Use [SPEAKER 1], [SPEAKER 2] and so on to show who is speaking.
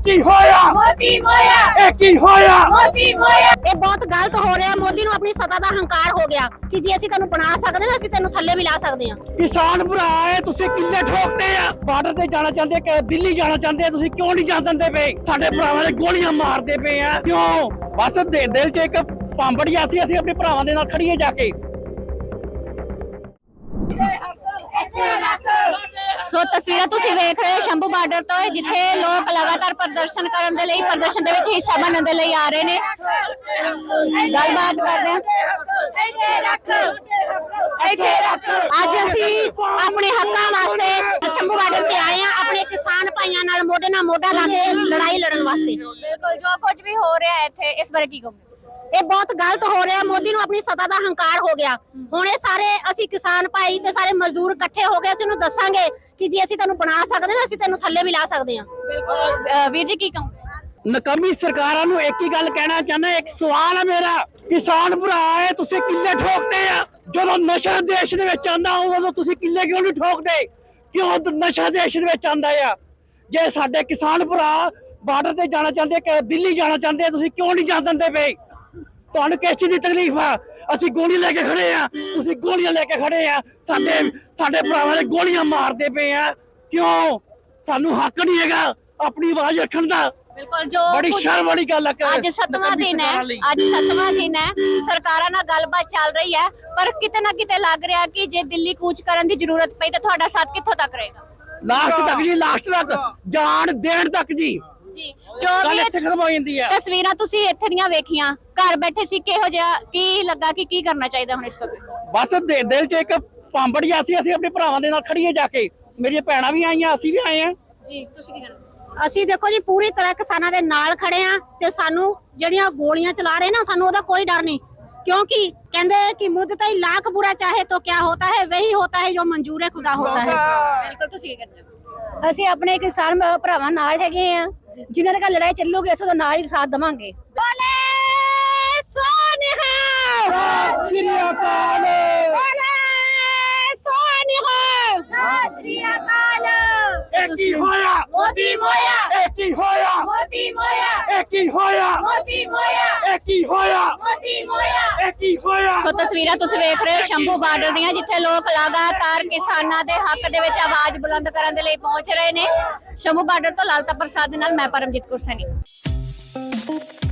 [SPEAKER 1] ਕੀ ਹੋਇਆ
[SPEAKER 2] ਮੋਦੀ ਮੋਇਆ
[SPEAKER 1] ਇਹ ਕੀ ਹੋਇਆ
[SPEAKER 2] ਮੋਦੀ ਮੋਇਆ।
[SPEAKER 3] ਇਹ ਬਹੁਤ ਗਲਤ ਹੋ ਰਿਹਾ। ਮੋਦੀ ਨੂੰ ਆਪਣੀ ਸੱਤਾ ਦਾ ਹੰਕਾਰ ਹੋ ਗਿਆ ਕਿ ਜੇ ਅਸੀਂ ਤੈਨੂੰ ਬਣਾ ਸਕਦੇ ਨਾ, ਅਸੀਂ ਤੈਨੂੰ ਥੱਲੇ ਵੀ ਲਾ ਸਕਦੇ ਹਾਂ।
[SPEAKER 1] ਕਿਸਾਨ ਭਰਾ ਹੈ, ਤੁਸੀਂ ਕਿੱਲੇ ਠੋਕਦੇ ਆ। ਬਾਰਡਰ ਤੇ ਜਾਣਾ ਚਾਹੁੰਦੇ ਕਿ ਦਿੱਲੀ ਜਾਣਾ ਚਾਹੁੰਦੇ ਆ, ਤੁਸੀਂ ਕਿਉਂ ਨਹੀਂ ਜਾਣ ਦਿੰਦੇ ਪਏ? ਸਾਡੇ ਭਰਾਵਾਂ ਦੇ ਗੋਲੀਆਂ ਮਾਰਦੇ ਪਏ ਆ, ਕਿਉਂ? ਬਸ ਦਿਲ 'ਚ ਇੱਕ ਪਾਂਬੜੀ ਆ ਸੀ, ਅਸੀਂ ਆਪਣੇ ਭਰਾਵਾਂ ਦੇ ਨਾਲ ਖੜੀਏ ਜਾ ਕੇ।
[SPEAKER 3] ਸੋ ਤਸਵੀਰਾਂ ਤੁਸੀਂ ਵੇਖ ਰਹੇ ਹੋ ਸ਼ੰਭੂ ਬਾਰਡਰ ਤੋਂ, ਜਿੱਥੇ ਲੋਕ ਲਗਾਤਾਰ ਪ੍ਰਦਰਸ਼ਨ ਕਰਨ ਦੇ ਲਈ, ਪ੍ਰਦਰਸ਼ਨ ਦੇ ਵਿੱਚ ਹਿੱਸਾ ਬਣਨ ਦੇ ਲਈ ਆ ਰਹੇ ਨੇ। ਗੱਲਬਾਤ ਕਰਦੇ ਹਾਂ। ਅੱਜ ਅਸੀਂ ਆਪਣੇ ਹੱਕਾਂ ਵਾਸਤੇ ਸ਼ੰਭੂ ਬਾਰਡਰ ਤੇ ਆਏ ਹਾਂ, ਆਪਣੇ ਕਿਸਾਨ ਭਾਈਆਂ ਨਾਲ ਮੋਢੇ ਨਾਲ ਮੋਢਾ ਲਾ ਕੇ ਲੜਾਈ ਲੜਨ ਵਾਸਤੇ।
[SPEAKER 2] ਬਿਲਕੁਲ, ਜੋ ਕੁਝ ਵੀ ਹੋ ਰਿਹਾ ਹੈ ਇੱਥੇ, ਇਸ ਬਾਰੇ ਕੀ ਕਹੋਗੇ?
[SPEAKER 3] ਇਹ ਬਹੁਤ ਗਲਤ ਹੋ ਰਿਹਾ। ਮੋਦੀ ਨੂੰ ਆਪਣੀ ਸੱਤਾ ਦਾ ਹੰਕਾਰ ਹੋ ਗਿਆ। ਹੁਣ ਇਹ ਸਾਰੇ ਅਸੀਂ ਕਿਸਾਨ ਭਾਈ ਤੇ ਸਾਰੇ ਮਜ਼ਦੂਰ ਇਕੱਠੇ ਹੋ ਗਏ, ਅਸੀਂ ਉਹਨੂੰ ਦੱਸਾਂਗੇ ਕਿ ਜੇ ਅਸੀਂ ਤੈਨੂੰ ਬਣਾ ਸਕਦੇ ਨਾ, ਅਸੀਂ ਤੈਨੂੰ ਥੱਲੇ ਵੀ ਲਾ ਸਕਦੇ ਹਾਂ।
[SPEAKER 2] ਬਿਲਕੁਲ ਵੀਰ ਜੀ, ਕੀ ਕਹੋਗੇ?
[SPEAKER 1] ਨਕਮੀ ਸਰਕਾਰਾਂ ਨੂੰ ਇੱਕ ਹੀ ਗੱਲ ਕਹਿਣਾ ਚਾਹੁੰਦਾ, ਇੱਕ ਸਵਾਲ ਹੈ ਮੇਰਾ। ਕਿਸਾਨ ਭਰਾ ਹੈ, ਤੁਸੀਂ ਕਿੱਲੇ ਠੋਕਦੇ ਆ। ਜਦੋਂ ਨਸ਼ਾ ਦੇਸ਼ ਦੇ ਵਿੱਚ ਆਂਦਾ, ਉਦੋਂ ਤੁਸੀਂ ਕਿੱਲੇ ਕਿਉਂ ਨਹੀਂ ਠੋਕਦੇ? ਕਿਉਂ ਨਸ਼ਾ ਦੇਸ਼ ਦੇ ਵਿੱਚ ਆਂਦਾ ਆ? ਜੇ ਸਾਡੇ ਕਿਸਾਨ ਭਰਾ ਬਾਰਡਰ ਤੇ ਜਾਣਾ ਚਾਹੁੰਦੇ ਕਿ ਦਿੱਲੀ ਜਾਣਾ ਚਾਹੁੰਦੇ ਆ, ਤੁਸੀਂ ਕਿਉਂ ਨਹੀਂ ਜਾਣ ਦਿੰਦੇ ਪਏ? ਤੁਹਾਨੂੰ ਕਿਸ ਚੀਜ਼ ਦੀ ਤਕਲੀਫ ਆ? ਅਸੀਂ ਗੋਲੀ ਲੈ ਕੇ ਖੜੇ ਆ, ਤੁਸੀਂ ਗੋਲੀਆਂ ਲੈ ਕੇ ਖੜੇ ਆ। ਸਾਡੇ ਭਰਾਵਾਂ ਦੇ ਗੋਲੀਆਂ ਮਾਰਦੇ ਪਏ ਆ, ਕਿਉਂ? ਸਾਨੂੰ ਹੱਕ ਨਹੀਂ ਹੈਗਾ ਆਪਣੀ ਆਵਾਜ਼ ਰੱਖਣ ਦਾ।
[SPEAKER 2] ਬਿਲਕੁਲ, ਜੋ
[SPEAKER 1] ਬੜੀ ਸ਼ਰਮ ਵਾਲੀ ਗੱਲ ਹੈ।
[SPEAKER 3] ਅੱਜ 7ਵਾਂ ਦਿਨ ਹੈ, ਅੱਜ 7ਵਾਂ ਦਿਨ ਹੈ, ਸਰਕਾਰਾਂ ਨਾਲ ਗੱਲਬਾਤ ਚੱਲ ਰਹੀ ਹੈ, ਪਰ ਕਿਤੇ ਨਾ ਕਿਤੇ ਲੱਗ ਰਿਹਾ ਕਿ ਜੇ ਦਿੱਲੀ ਕੂਚ ਕਰਨ ਦੀ ਜ਼ਰੂਰਤ ਪਈ ਤਾਂ ਤੁਹਾਡਾ ਸਾਥ ਕਿੱਥੋਂ ਤੱਕ ਰਹੇਗਾ?
[SPEAKER 1] ਲਾਸਟ ਤੱਕ ਜੀ, ਲਾਸਟ ਤੱਕ ਜਾਨ ਦੇਣ ਤੱਕ ਜੀ।
[SPEAKER 2] ਜੀ,
[SPEAKER 1] ਜੋ ਵੀ ਇੱਥੇ ਖਤਮ ਹੋ ਜਾਂਦੀ ਆ।
[SPEAKER 3] ਤਸਵੀਰਾਂ ਤੁਸੀਂ ਇੱਥੇ ਦੀਆਂ ਵੇਖੀਆਂ, ਘਰ ਬੈਠੇ ਸੀ, ਕਿਹੋ ਜਿਹਾ ਕੀ ਲੱਗਾ ਕਿ ਕੀ ਕਰਨਾ ਚਾਹੀਦਾ ਹੁਣ ਇਸ ਤੋਂ?
[SPEAKER 1] ਬਸ ਦਿਲ 'ਚ ਇੱਕ ਪਾਂਬੜੀ ਆ ਸੀ, ਅਸੀਂ ਆਪਣੇ ਭਰਾਵਾਂ ਦੇ ਨਾਲ ਖੜੀਏ ਜਾ ਕੇ। ਮੇਰੀਆਂ ਭੈਣਾਂ ਵੀ ਆਈਆਂ, ਅਸੀਂ ਵੀ ਆਏ ਆ
[SPEAKER 2] ਜੀ। ਤੁਸੀਂ ਕੀ ਕਹਿਣਾ?
[SPEAKER 3] ਅਸੀਂ ਦੇਖੋ ਜੀ ਪੂਰੀ ਤਰ੍ਹਾਂ ਕਿਸਾਨਾਂ ਦੇ ਨਾਲ ਖੜੇ ਆ, ਤੇ ਸਾਨੂੰ ਜਿਹੜੀਆਂ ਗੋਲੀਆਂ ਚਲਾ ਰਹੇ ਨਾ, ਸਾਨੂੰ ਉਹਦਾ ਕੋਈ ਡਰ ਨਹੀਂ, क्योंकि कहते हैं कि मुद्दत ही लाख बुरा चाहे तो क्या होता है, वही होता है जो मंजूर खुदा होता है।
[SPEAKER 2] बिल्कुल, ਤੁਸੀਂ ਕੀ ਕਰਦੇ ਹੋ?
[SPEAKER 3] ਅਸੀਂ ਆਪਣੇ ਕਿਸਾਨ ਭਰਾਵਾਂ ਨਾਲ ਹੈਗੇ ਆ, ਜਿਨ੍ਹਾਂ ਦੇ ਲੜਾਈ ਚੱਲੂਗੀ ਅਸੀਂ ਉਹਦਾ ਨਾਲ ਹੀ ਸਾਥ ਦੇਵਾਂਗੇ। ਬੋਲੇ ਸੋਨਿਹਾ
[SPEAKER 1] ਸ੍ਰੀ ਅਕਾਲ,
[SPEAKER 3] ਬੋਲੇ ਸੋਨਿਹਾ
[SPEAKER 2] ਸ੍ਰੀ ਅਕਾਲ।
[SPEAKER 1] ਇਹ ਕੀ ਹੋਇਆ
[SPEAKER 2] ਮੋਦੀ ਮੋਇਆ
[SPEAKER 1] ਇਹ ਕੀ ਹੋਇਆ
[SPEAKER 2] ਮੋਦੀ ਮੋਇਆ
[SPEAKER 1] ਇਹ ਕੀ ਹੋਇਆ
[SPEAKER 2] ਮੋਦੀ ਮੋਇਆ
[SPEAKER 1] ਇਹ ਕੀ ਹੋਇਆ
[SPEAKER 2] ਮੋਦੀ ਮੋਇਆ
[SPEAKER 1] ਇਹ ਕੀ ਹੋਇਆ।
[SPEAKER 3] ਸੋ ਤਸਵੀਰਾਂ ਤੁਸੀਂ ਵੇਖ ਰਹੇ ਹੋ ਸ਼ੰਭੂ ਬਾਰਡਰ ਦੀਆਂ, ਜਿੱਥੇ ਲੋਕ ਲਗਾਤਾਰ ਕਿਸਾਨਾਂ ਦੇ ਹੱਕ ਦੇ ਵਿੱਚ ਆਵਾਜ਼ ਬੁਲੰਦ ਕਰਨ ਦੇ ਲਈ ਪਹੁੰਚ ਰਹੇ ਨੇ। ਸ਼ੰਭੂ ਬਾਰਡਰ ਤੋਂ ਲਾਲਤਾ ਪ੍ਰਸਾਦ ਦੇ ਨਾਲ ਮੈਂ ਪਰਮਜੀਤ ਕੌਰ ਸੈਣੀ।